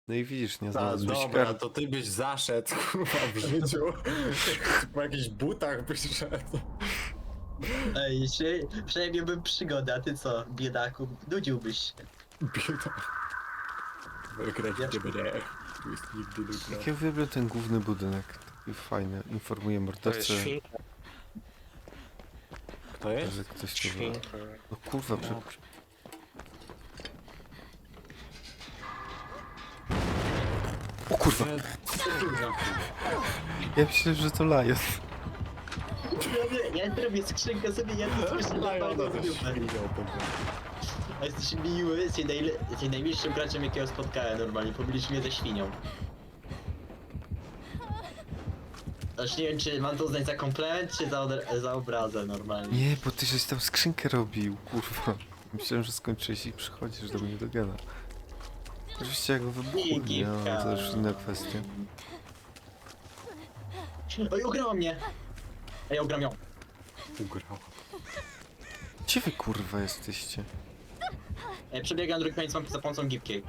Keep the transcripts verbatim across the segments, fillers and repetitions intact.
No i widzisz, nie A, znalazłeś dobra, kart. to ty byś zaszedł, kurwa, w życiu. Po jakichś butach byś szedł. Ej, przy, przynajmniej bym przygodę, a ty co, biedaku, nudziłbyś się. Bieda. Wygrać Ja- ciebie nie. Tu jest nigdy jutro. Jak ja uwielbiam ten główny budynek. Taki fajny. Informuje To mordercę, jest świnka. Kto jest? że ktoś tu był. Świnka. No kurwa, prze... No, O kurwa! Ja myślę, że to Lion. Ja, nie, ja robię skrzynkę sobie, ja to słyszę Lajona normalnie ze w dupę. świnią to był. A jesteś miły, jesteś, najle, jesteś najmilszym graczem, jakiego spotkałem normalnie, pomylisz mnie ze świnią. Aż nie wiem, czy mam to uznać za komplement, czy za, od- za obrazę normalnie. Nie, bo ty żeś tam skrzynkę robił, kurwa. Myślałem, że skończyłeś i przychodzisz do mnie do gana. Oczywiście jak go wybuchł, nie, ale to już inna kwestia. Oj, ugrała mnie! A ja ugram ją. Ugrał. Gdzie wy kurwa jesteście? E, przebiegam drugi koniec mapy za pomocą gipkiej.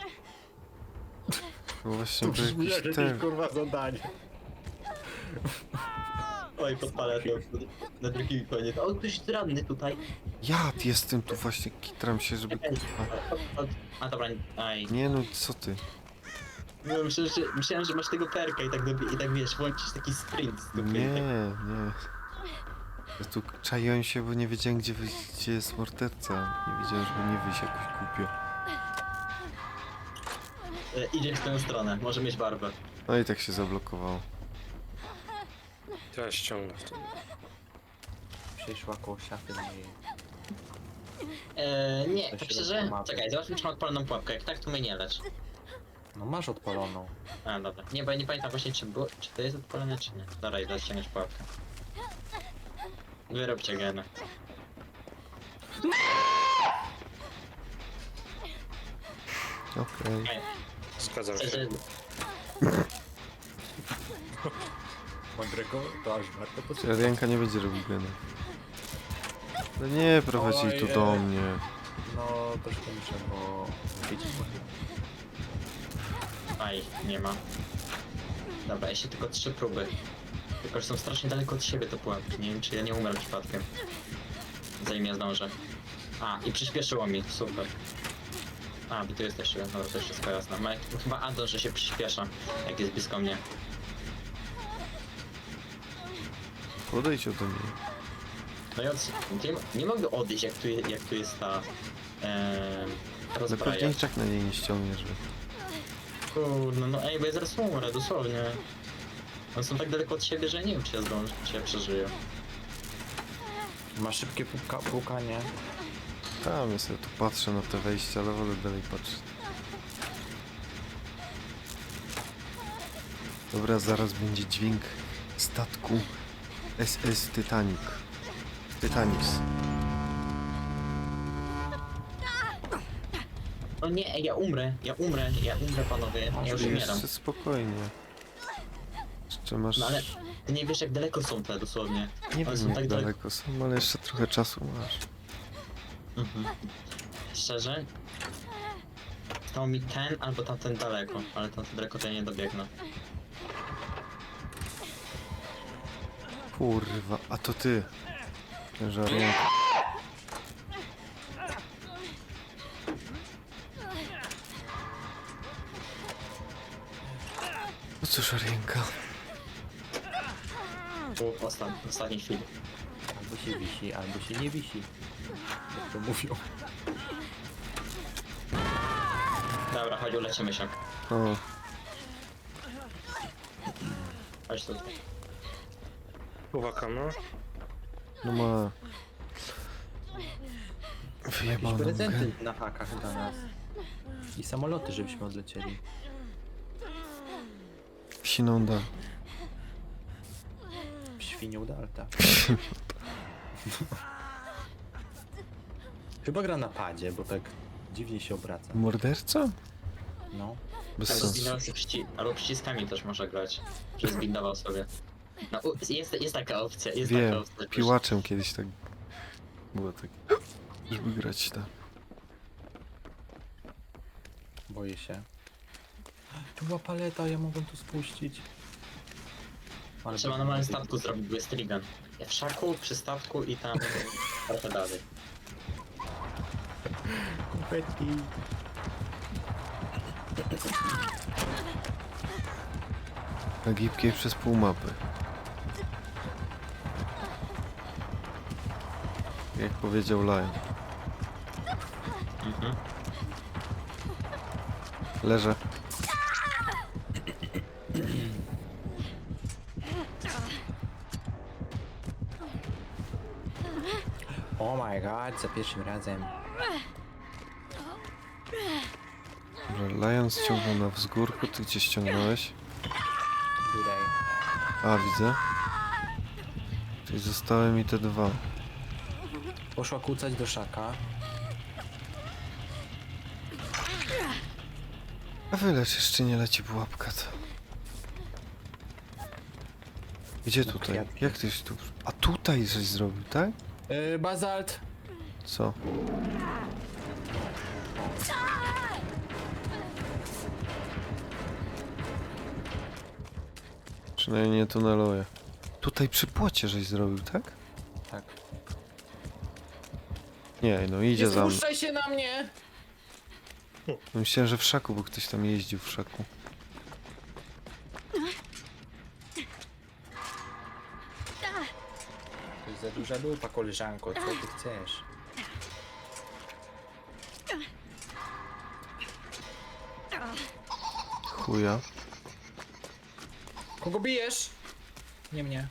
No właśnie, To to brzmi jak jakiś jakieś ten... kurwa zadanie. Oj, podpalę to na drugi koniec. O, ktoś jest ranny tutaj. Ja jestem tu właśnie, kitram się, żeby Ej, kurwa... o, o, A dobra, aj. Nie no, co ty? No, myślałem, że, myślałem, że masz tego perka i tak, dobi- i tak wiesz, włączysz taki sprint z dupy. Nie, nie. Ja tu czaiłem się, bo nie wiedziałem, gdzie, wy, gdzie jest morderca. Nie wiedziałem, żeby nie wyjść jakoś głupio. E, idzie w tę stronę, może mieć barbę. No i tak się zablokowało. To ja ściągnę w tym. Przyszła koło szafy mojej. E, nie, To tak się szczerze, rozpomawia. czekaj, zobaczmy czy mam odpaloną pułapkę, jak tak to mnie nie lecz. No masz odpaloną. A, dobra. Nie, bo ja nie pamiętam właśnie czy było, czy to jest odpalone, czy nie. Dobra, idę ściągnąć pułapkę. Wyrobcie genę. Okej. Ej, Zgadzam szczerze, się. Mądrego to aż warto Czy posłuchać. Arianka nie będzie robił gena? No nie, prowadzi jej tu Ojej. do mnie. No troszkę muszę, bo... Widzisz, aj, nie ma. Dobra, jeszcze tylko trzy próby. Tylko, że są strasznie daleko od siebie te pułapki. Nie wiem, czy ja nie umrę przypadkiem. Zanim ja zdążę. A, i przyspieszyło mi, super. A, wy tu jesteście, dobra, to już wszystko jasne. Ma, chyba Anton, że się przyspiesza, jak jest blisko mnie. Podejdź ode mnie. No i od, nie, nie mogę odejść, jak tu, je- jak tu jest ta... Ee, Ale rozbraja. pewnie i tak na niej nie ściągniesz. Bo... Kurde, no ej, bo ja zaraz umrę, dosłownie. One są tak daleko od siebie, że nie wiem, czy ja zdążę, czy ja przeżyję. ma szybkie puka, pukanie. Tam ja sobie tu patrzę na te wejścia, ale wolę dalej patrzeć. Dobra, zaraz będzie dźwięk statku S S Titanic. Titanic. No nie, ej, ja umrę, ja umrę, ja umrę, panowie, ja już umieram. Jeszcze spokojnie. Jeszcze masz... No ale ty nie wiesz, jak daleko są te, dosłownie. Nie One wiem są jak tak daleko. daleko są, ale jeszcze trochę czasu masz. Mhm. Szczerze? Stał mi ten albo tamten daleko, ale tamten daleko to ja nie dobiegnę. Kurwa, a to ty. Że Arianka. No cóż, Arianka. Tu ostan w ostatniej chwili. Albo się wisi, albo się nie wisi. Jak to mówią. Dobra, chodź, ulecimy się. O, Chodź tutaj. Uwaga, no. no ma... Jakieś Wyjebaną grę. prezenty na hakach dla nas. I samoloty, żebyśmy odlecieli. Siną da. Świnią Dalta. Chyba gra na padzie, bo tak dziwnie się obraca. Morderca? No. Bez Albo, sensu. zbindował sobie przyci albo przyciskami też może grać, że zbindował sobie. No, u- jest, jest taka opcja, jest taka Wiem, opcja. piłaczem kiedyś tak było tak, żeby grać tak. Boję się. Tu była paleta, ja mogłem tu spuścić. Ale Trzeba na małym statku zrobić, bo jest trigan. W szaku, przy statku i tam trochę dalej. konfetti. Na gipkiej przez pół mapy. Jak powiedział Lion. Mhm. Leżę. Oh my god, za pierwszym razem. Dobra, Lion ściągnął na wzgórku, ty gdzie ściągnąłeś? Tutaj. A, widzę. Czyli zostały mi te dwa. Poszła kłócać do szaka. A wylecz, jeszcze nie leci pułapka to. Gdzie No, tutaj? kwiatki. Jak tyś tu... A tutaj żeś zrobił, tak? Yy, bazalt. Co? Przynajmniej nie tuneluję. Tutaj przy płocie żeś zrobił, tak? Tak. Nie, no idzie Nie za mną. spuszczaj się na mnie! Myślałem, że w szaku, bo ktoś tam jeździł w szaku. To jest za duża lupa, koleżanko, co ty chcesz? Chuja. Kogo bijesz? Nie mnie.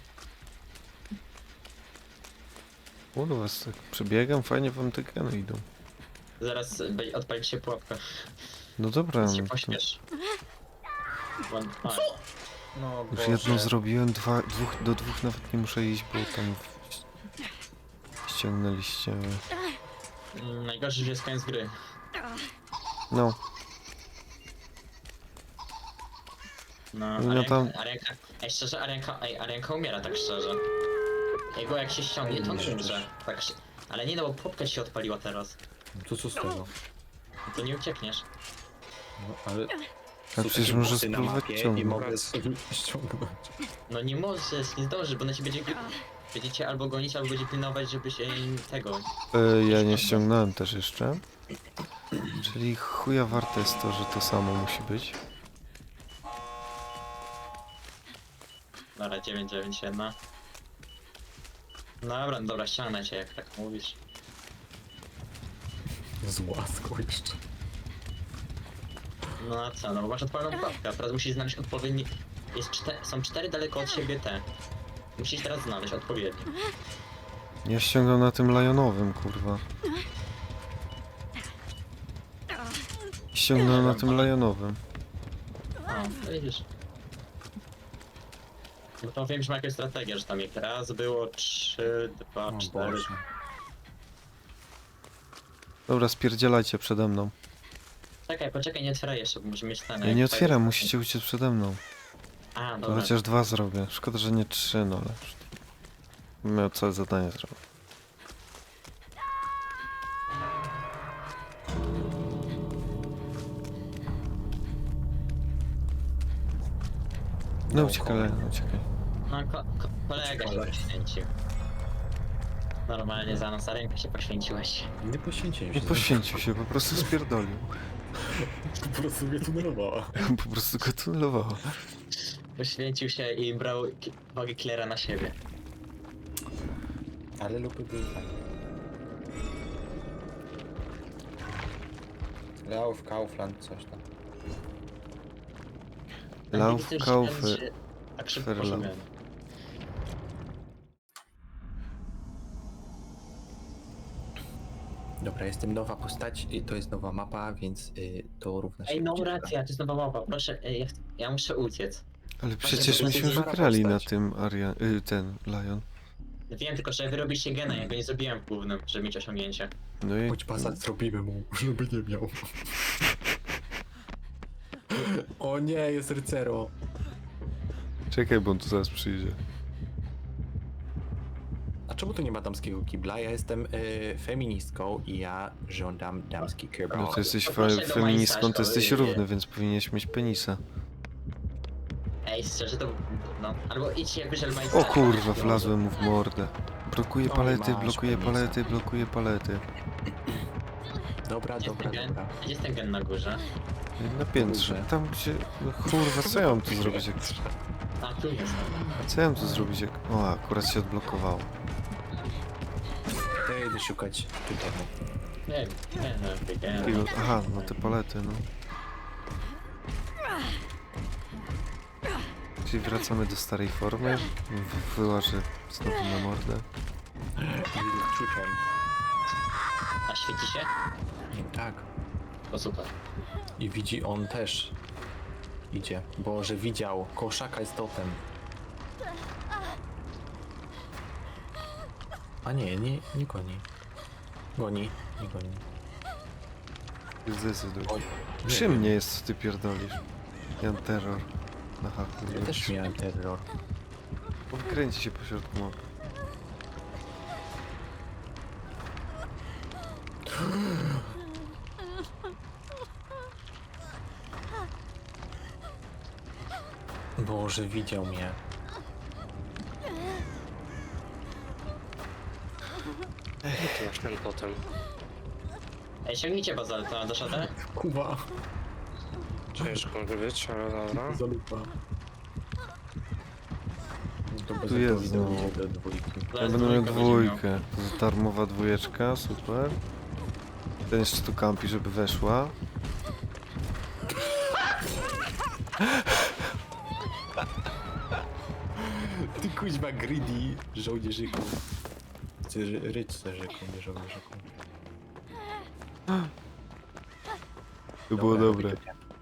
Kurwa, tak przebiegam, fajnie wam te geny idą. Zaraz będzie- odpali się pułapka. No dobra, Więc się no to pośpiesz. One, a, No już Boże. jedną zrobiłem, dwa, dwóch, do dwóch nawet nie muszę iść, bo tam w... ściągnęliście. mm, najgorszy, że jest koniec gry. No, No, No Arianka, tam- Arianka, ej szczerze, Arianka, ej, Arianka umiera tak szczerze. Jego jak się ściągnie, to on umrze. Tak, sz- ale nie no, bo pułapka się odpaliła teraz. To co z tego? To nie uciekniesz. No, ale... a przecież może spróbować I ciągnąć. mogę sobie ściągnąć. No nie możesz, nie zdążysz, bo na ciebie będzie... Będziecie albo gonić, albo będzie pilnować, żebyś ej, tego... E, ja nie ściągnąłem też jeszcze. Czyli chuja warte jest to, że to samo musi być. Dobra, dziewięć dziewięć jeden. Dobra, dobra, ściągnę cię, jak tak mówisz. Z łaską jeszcze. No a co, no bo masz odpaloną pułapkę, a teraz musisz znaleźć odpowiedni... Jest czte... Są cztery daleko od siebie te. Musisz teraz znaleźć odpowiedni. Ja ściągam na tym Lionowym, kurwa. Ściągnąłem na tym Lionowym. A, to widzisz. No to wiem, że ma jakąś strategię, że tam jak raz było trzy, dwa, O cztery. Boże. Dobra, spierdzielajcie przede mną. Czekaj, poczekaj, nie otwieraj jeszcze, bo musimy mieć ten... Ja nie otwieram, musicie uciec przede mną. A, To dobra. chociaż dwa zrobię. Szkoda, że nie trzy, no ale... już miał całe zadanie zrobić. No uciekaj, Leon, uciekaj. No, ko ko kolega się poświęcił. Normalnie za nas, a rękę się poświęciłeś. Nie poświęciłem Nie się. poświęcił się, po prostu spierdolił. Po prostu mnie tunelowała. Po prostu go tunelowało. Poświęcił się i brał ki- wagę Klera na siebie. Ale lupy były fajne. Lauf, Kaufland, coś tam. Lauf, Nigdy już Kaufy, ten się Tak szybko Ferlauf. poszedłem. Dobra, jestem nowa postać i to jest nowa mapa, więc y, to równa się Ej, no ucieczka. racja, to jest nowa mapa, proszę, ej, ja, ch- ja muszę uciec. Ale Właśnie, przecież to myśmy jest już stara grali na postać. tym Arian... Y, ten, Lion. Wiem tylko, że wy robiliście gena, ja go nie zrobiłem w głównym, żeby mieć osiągnięcie. No i... Chodź pasat zrobimy mu, żeby nie miał. O nie, jest rycero. Czekaj, bo on tu zaraz przyjdzie. A czemu tu nie ma damskiego kibla? Ja jestem y, feministką i ja żądam damski kibla. No to jesteś Poproszę fe do feministką, to majsterza, jesteś ojej. równy, więc powinieneś mieć penisa. Ej, szczerze to... No, albo idźcie jakby żel O kurwa, wlazłem mu w mordę. Blokuje Oj, palety, masz blokuje penisa. palety, blokuje palety. Dobra, Gdzie jest dobra, ten gen? dobra. Gdzie jest ten gen na górze? Na piętrze. Kurde. Tam gdzie... No kurwa, co ja mam tu zrobić jak... A, tu jest. Co ja mam tu zrobić jak... O, akurat się odblokowało. To ja idę szukać tutaj. Nie, nie, nie, nie, Kilo... nie. Aha, no te palety, no. Czyli wracamy do starej formy. W- Wyłażę znowu na mordę. Szukam. A świeci się? Tak. To super. I widzi on też. Idzie. Boże, widział. Koszaka jest totem. A nie, nie, nie goni. Goni, nie goni. Zdecyduj. Oj, nie Przy wiem. mnie jest, co ty pierdolisz. Jan terror. Na haku. Ja też miałem terror. Kręci się po środku mapy. Boże, widział mnie. Tu masz ten totem. Ej, sięgnijcie bazalta do szatę. Kuba. Ciężko może być, ale dobra. Zalupa. To bez Tu jest idę znowu. do dwójki. Ja Zaraz będę miał dwójka będzie miał. dwójkę. To jest darmowa dwójeczka, super. Ten jeszcze tu kampi, żeby weszła. Ty kuźwa greedy żołnierzyku. Chcę rycerzyku, nie żołnierzyku. To było dobre.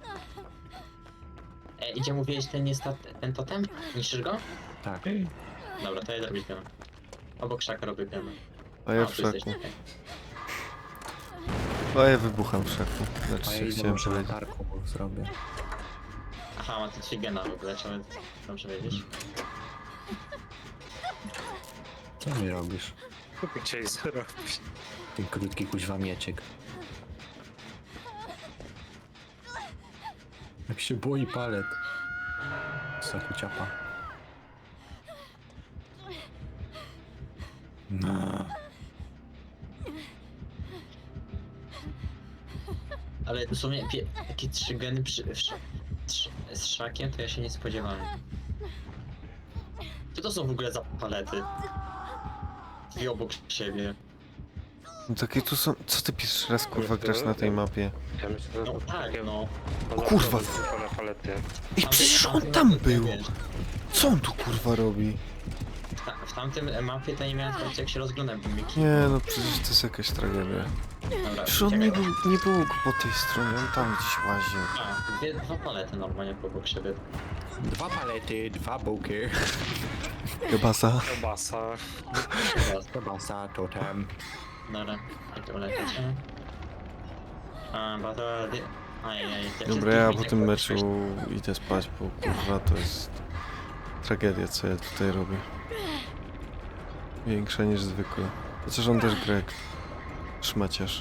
Ej, idzie mówiłeś ten jest ta, ten totem? Niszczysz go? Tak. Dobra, to ja zrobię pianę. Obok szaka robię pianę. A ja A, w tu jesteś, szaku. okej. A ja wybucham w szaku. Znaczy A ja się idę chciałem może powiedzieć. latarką zrobię. Aha, ma tu trzy gena w ogóle, trzeba dobrze wiedzieć. Co mi robisz? Chcieli zrobić. Ten krótki kuźwa mieczek. Jak się boi palet. Sakuciapa. No. Ale w sumie pie, takie trzy geny przy, w, sz- trz, z szakiem to ja się nie spodziewałem. Co to są w ogóle za palety? Dwie obok siebie. No takie tu są... Co ty pierwszy raz kurwa grasz na tej mapie? Ja myślę, że No to tak, takie no. O kurwa! na palety. Ej, Tamty- przecież on tamty tam mapy to był! wiesz. Co on tu kurwa robi? W, ta, w tamtym mapie to nie miałem sprawdzić jak się rozglądam mimiki. Nie no, przecież to jest jakaś tragedia. Dobra, Przecież on nie czekaj. był, nie był po tej stronie, on tam gdzieś łaził. A, dwie, dwa palety normalnie obok siebie. Dwa palety, dwa bułki. Kebasa. Kiełbasa. Kebasa, totem. Dobra, jak to ulecieć? A, bo to... Ajajaj. jak się Dobra, ja zbliżyć, po jak tym patrzysz- meczu idę spać, bo kurwa to jest tragedia, co ja tutaj robię. Większa niż zwykle. Chociaż on też Greg. Szmaciarz.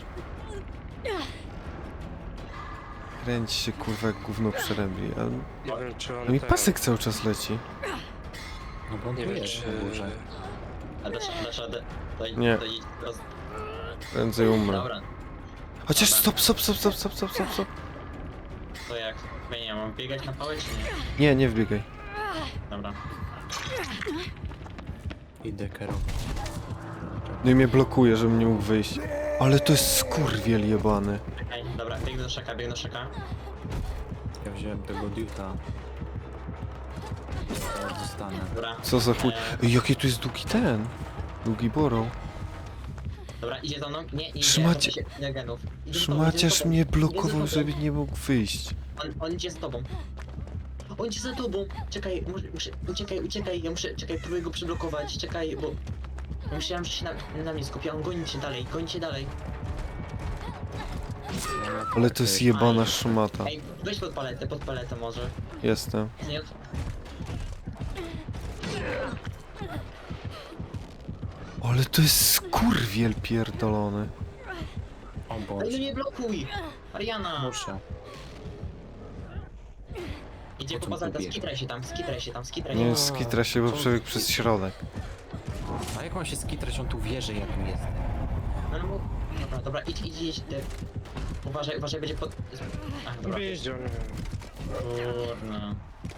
Kręci się kurwa jak gówno przerębli, a Nie wiem czy on no i ten- pasek cały czas leci. No bo on Nie tu wiem jest czy... na górze. A dasz, dasz radę? To, Nie. To idź roz... Prędzej umrę. Dobra, Chociaż stop, stop, stop, stop, stop, stop, stop, stop. to jak? Ja nie mam biegać na pałę czy nie? Nie, nie wbiegaj. Dobra. Idę kierować. No i mnie blokuje, żebym nie mógł wyjść. Ale to jest skurwiel jebany. Ej, dobra, biegnę do szaka, biegnę do szaka. Ja wziąłem tego diuta. Teraz zostanę. Dobra. Co za chuj. e, Ej, jaki tu jest długi ten. Długi borą. Dobra, idzie za mną. Nie, nie, Szmacie- nie, nie, genów. Idzie za tobą, idzie Szmaciarz za tobą. mnie Idzie blokował, za tobą. żeby nie mógł wyjść. On, on idzie za tobą. On idzie za tobą. Czekaj, muszę, muszę, uciekaj, uciekaj, ja muszę, czekaj, próbuję go przyblokować, czekaj, bo... Myślałem, że się na, na mnie skupia, on goni cię dalej, goni cię dalej. Ale to jest jebana szmata. Ej, weź pod paletę, pod paletę może. Jestem. Nie, Ale to jest skurwiel pierdolony. O Ej, no Boże. nie blokuj! Ariana! Muszę. Idzie O po czym bazalka, tu biega? skitraj się tam, skitraj się tam, skitraj się Nie tam. skitra się, bo Co? przebiegł przez środek. A jak mam się skitrać, on tu wierzy, jak tu jestem. No, no, dobra, dobra, idź, idź, idź. Ty. Uważaj, uważaj, będzie pod... Ach, dobra. Jeździł, nie wiem. Kurna.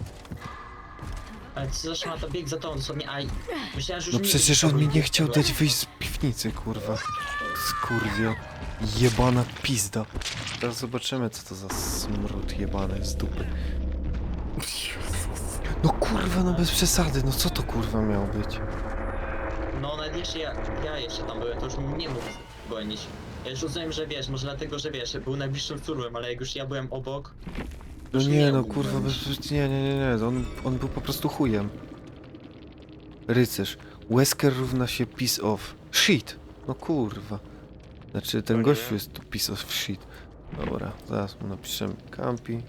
Ale co za szmata, bieg za tą dosłownie, aj. Myślałem, że już No nie przecież będzie on mi tego nie chciał tego. dać wyjść z piwnicy, kurwa. Skurwio. Jebana pizda. Teraz zobaczymy, co to za smród jebany z dupy. No kurwa, no bez przesady, no co to kurwa miało być? No nawet jeszcze ja, ja jeszcze tam byłem, to już nie mógł gonić. Ja już rozumiem, że wiesz, może dlatego, że wiesz, był najbliższym turłem, ale jak już ja byłem obok... to No już nie, no mógł kurwa, gonić. bez, nie, nie, nie, nie, on, on był po prostu chujem. Rycerz. Wesker równa się piece of shit. No kurwa. Znaczy ten O nie. gościu jest tu piece of shit. Dobra, zaraz mu napiszemy Campi.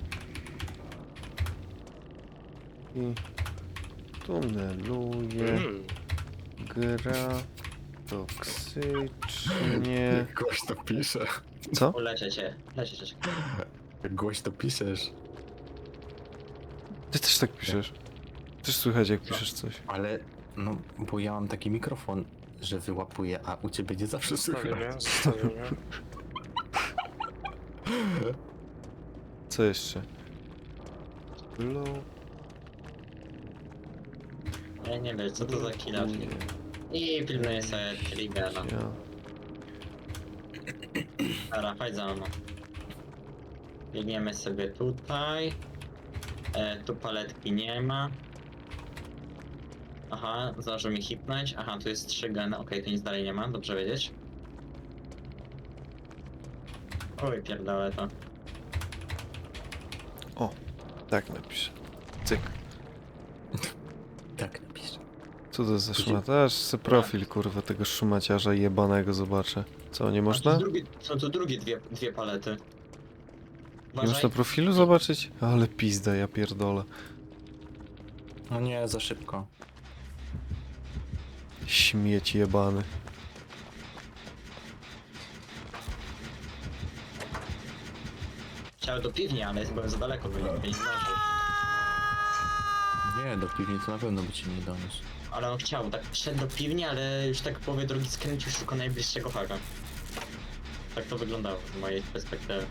I tuneluje, Mm. gra toksycznie. Gość to pisze. Co? O, leczę cię, leczę cię. Jak gość to piszesz. Ty też tak piszesz. Też słychać jak piszesz coś. Ale, no, bo ja mam taki mikrofon, że wyłapuję, a u ciebie nie zawsze Zostawił słychać. mnie, zostawił mnie. Co jeszcze? Low. Ja nie wiem, co to za killa. I pilnuję sobie Triggera. Ja. Dobra, chodź za mną. Biegniemy sobie tutaj. E, tu paletki nie ma. Aha, zdążył mi hitnąć. Aha, tu jest trzy geny. Okej, tu nic dalej nie ma, dobrze wiedzieć. Oj, pierdolę to. Tak napiszę. Cyk. Tak napiszę. Co to za szmata? Aż se profil kurwa tego szumaciarza jebanego zobaczę. Co, nie A, można? tu drugie, są tu drugie dwie, dwie palety. Nie można profilu zobaczyć? Ale pizda, ja pierdolę. No nie, za szybko. Śmieć jebany. Chciałem do piwni, ale byłem za daleko, bo nie, nie zdążył. Nie, do piwnicy na pewno by cię nie doniósł. Ale on chciał, tak wszedł do piwni, ale już tak w połowie drogi skręcił, szukał najbliższego haka. Tak to wyglądało z mojej perspektywy.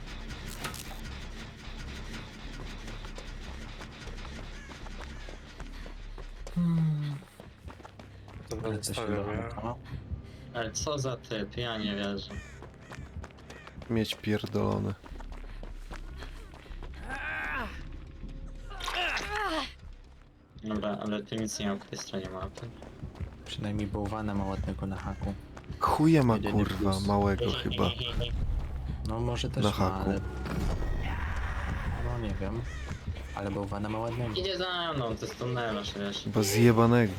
Dobra, Ale co się zostawił mnie. da? Ale co za typ, ja nie wierzę. Mieć pierdolony. Dobra, ale tu nic nie ma po tej stronie mapy. Przynajmniej bałwana ma ładnego na haku. Chuja ma Jedyny kurwa plus. małego chyba. No może też Na ma, haku. ale... No nie wiem. Ale bałwana ma ładnego. Idzie za mną, to jest tunnelarz, wiesz. Chyba zjebanego.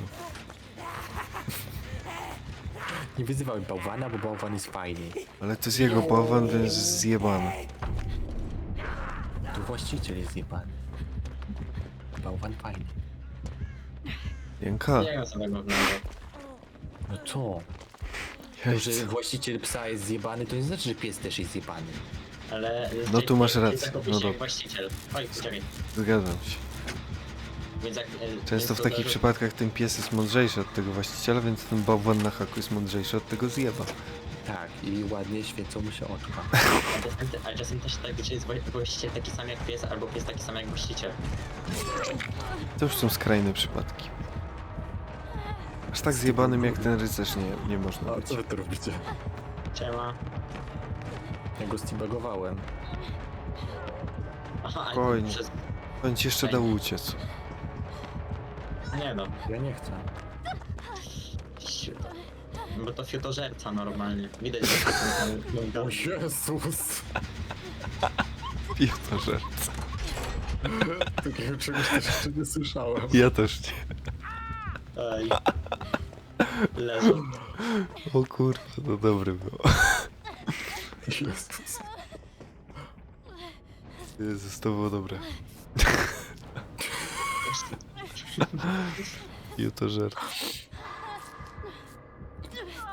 Nie wyzywaj bałwana, bo bałwan jest fajny. Ale to jest jego bałwan, więc zjebany. Tu właściciel jest zjebany. Bałwan fajny. Jęka. Nie ma samego wnętrza. No co? To, że właściciel psa jest zjebany, to nie znaczy, że pies też jest zjebany. Ale... No tu masz rację, Zachowuje no się jak dobra. właściciel. Oj, poczekaj. Zgadzam się. Więc jak... e, więc Często w to takich zależy- przypadkach ten pies jest mądrzejszy od tego właściciela, więc ten bałwan na haku jest mądrzejszy od tego zjeba. Tak, i ładnie świecą mu się oczka. A czasem, a czasem też tak, że jest wła- właściciel taki sam jak pies, albo pies taki sam jak właściciel. To już są skrajne przypadki. Aż tak zjebanym jak ten rycerz nie, nie można być. wy tu robicie? Siema. Ja go stibagowałem. Aha, a Spokojnie. przez... On ci jeszcze dał uciec. Nie no. Ja nie chcę. Siu. Bo to fiotożerca normalnie. Widać, że to ten- ten- Jezus! Ja to że. Takiego czegoś też jeszcze nie słyszałem. Ja też nie. Ej. Leżą. O kurwa, to dobre było. Jezus. Jezus, to było dobre. Ja to żart.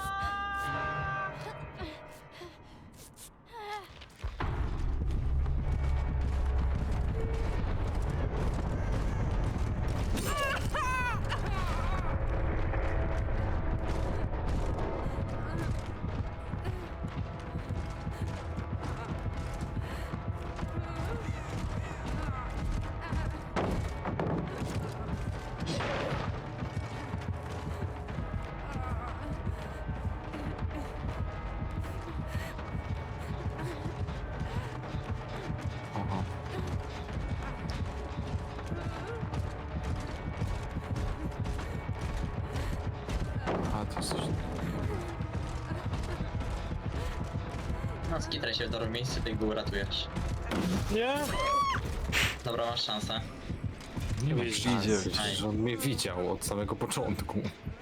No, skitraj się w dobrym miejscu, ty go uratujesz. Nie? Dobra, masz szansę. Nie ma Idzie. szansy, przecież on mnie widział od samego początku.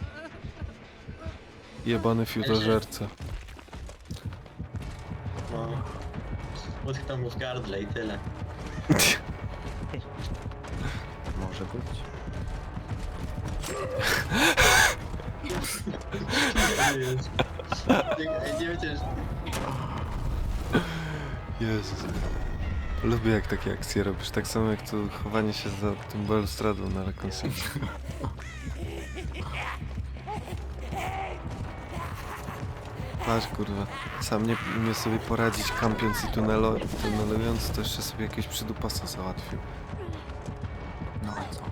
Jebany fiutożerca. No. Utknął mu w gardle i tyle. Może być. Nie, nie wiecie, Jezus. Lubię jak takie akcje robisz, tak samo jak to chowanie się za tym balustradą na rekonstrukcji. Patrz kurwa, sam nie umie sobie poradzić kampiąc i tunelo, tunelując, to jeszcze sobie jakiegoś przydupasa załatwił. No a co?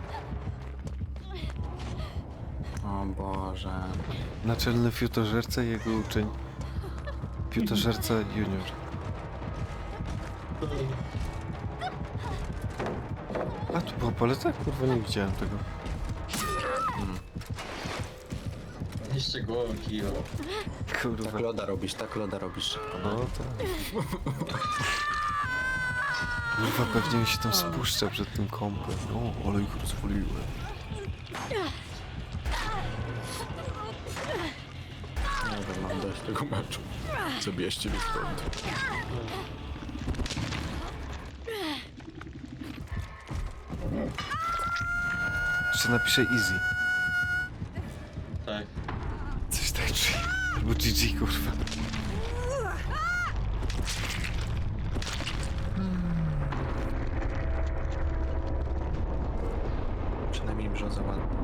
O Boże. Naczelny fiutożerca i jego uczeń. Fiutożerca junior. A tu była paleta? Kurwa, nie widziałem tego. jeszcze głową kiło. Kurwa. Tak loda robisz, tak loda robisz. No tak. Kurwa, pewnie mi się tam spuszcza przed tym kąpem. O, ale ich rozwoliłem. Nie wiem, mam dość tego meczu. Zabierzcie mnie stąd. Jeszcze napiszę easy. Tak. Coś tak czy... Albo G G, kurwa. Przynajmniej brzoza ładna.